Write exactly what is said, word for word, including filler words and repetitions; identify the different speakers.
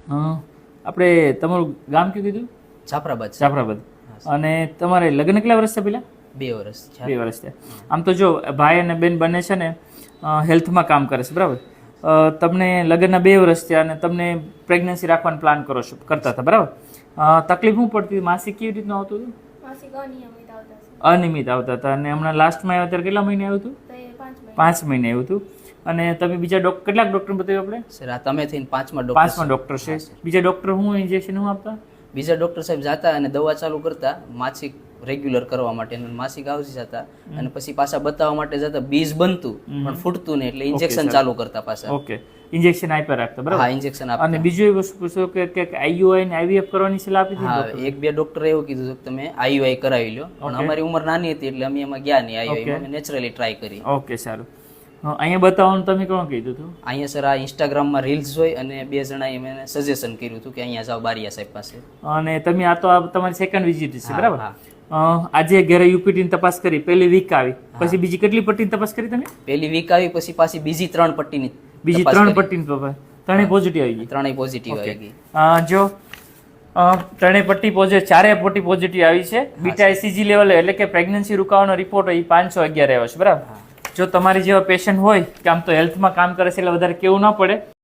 Speaker 1: આપણે તમારું ગામ કયું કીધું?
Speaker 2: જાફરાબાદ.
Speaker 1: જાફરાબાદ. અને તમારે લગ્ન કેટલા વર્ષ થયા પેલા?
Speaker 2: બે વર્ષ.
Speaker 1: બે વર્ષ થયા. આમ તો જો ભાઈ અને બેન બંને છે ને હેલ્થમાં કામ કરે છે, બરાબર? તમને લગ્નના બે વર્ષ થયા અને તમને પ્રેગ્નન્સી રાખવાનો પ્લાન કરો છો કરતા હતા, બરાબર? તકલીફ શું પડતી? માસિક કેવી રીતનું આવતું હતું? અનિયમિત આવતા હતા. અને હમણાં લાસ્ટમાં આવ્યા ત્યારે કેટલા મહિને આવ્યું હતું? પાંચ મહિને આવ્યું હતું. અને તમે બીજા ડોક્ટર કેટલાક ડોક્ટર બતાવ્યું આપણે?
Speaker 2: સર આ તમે થઈને પાંચમા ડોક્ટર.
Speaker 1: પાંચમા ડોક્ટર છે. બીજા ડોક્ટર હું ઇન્જેક્શન હું આપતા?
Speaker 2: બીજા ડોક્ટર સાહેબ જાતા અને દવા ચાલુ કરતા માસિક રેગ્યુલર કરવા માટે, માસિક આવતી જતા અને પછી પાછા બતાવવા માટે જતા. બીજ બનતું પણ ફૂટતું નહીં એટલે ઇન્જેક્શન ચાલુ કરતા પાછા.
Speaker 1: ઓકે, ઇન્જેક્શન આપ્યા રાખતા, બરાબર?
Speaker 2: હા, ઇન્જેક્શન આપતા.
Speaker 1: અને બીજું એ વસ્તુ પૂછો કે કે આઈયુઆઈ ને આઈવીએફ કરવાની સલાહ આપી હતી?
Speaker 2: હા, એક બે ડોક્ટરે એવું કીધું કે તમે આઈયુઆઈ કરાવી લો, પણ અમારી ઉંમર નાની હતી એટલે અમે એમાં ગયા નહીં. આઈયુઆઈ અમે નેચરલી ટ્રાય કરી.
Speaker 1: ઓકે, સારું. અહીંયા બતાવવાનું તમે કોણ કીધું હતું?
Speaker 2: અહીંયા સર આ ઇન્સ્ટાગ્રામમાં રીલ્સ જોઈ અને બે જણાએ મને સજેશન કર્યું હતું કે અહીંયા જાઓ બારિયા સાહેબ પાસે.
Speaker 1: અને તમે આ તો તમારી સેકન્ડ વિઝિટ છે, બરાબર? આજે ઘરે યુપીટીની તપાસ કરી, પહેલી વીક આવી, પછી બીજી કેટલી પટ્ટીની તપાસ કરી તમે?
Speaker 2: પહેલી વીક આવી, પછી પાછી બીજી ત્રણ પટ્ટીની.
Speaker 1: બીજી ત્રણ પટ્ટીની તપાસ, ત્રણેય પોઝિટિવ આવી ગઈ?
Speaker 2: ત્રણેય પોઝિટિવ આવી ગઈ.
Speaker 1: જો ત્રણેય પટ્ટી પોઝિટિવ, ચારેય પટ્ટી પોઝિટિવ આવી છે. બીટા આઈસીજી લેવલ એટલે કે પ્રેગ્નન્સી રૂકાવાનો રિપોર્ટ હોય એ પાંચસો અગિયાર આવ્યો છે, બરાબર? જો તમારી જેવા પેશન્ટ હોય કે આમ તો હેલ્થમાં કામ કરે છે એટલે વધારે કેવું ન પડે,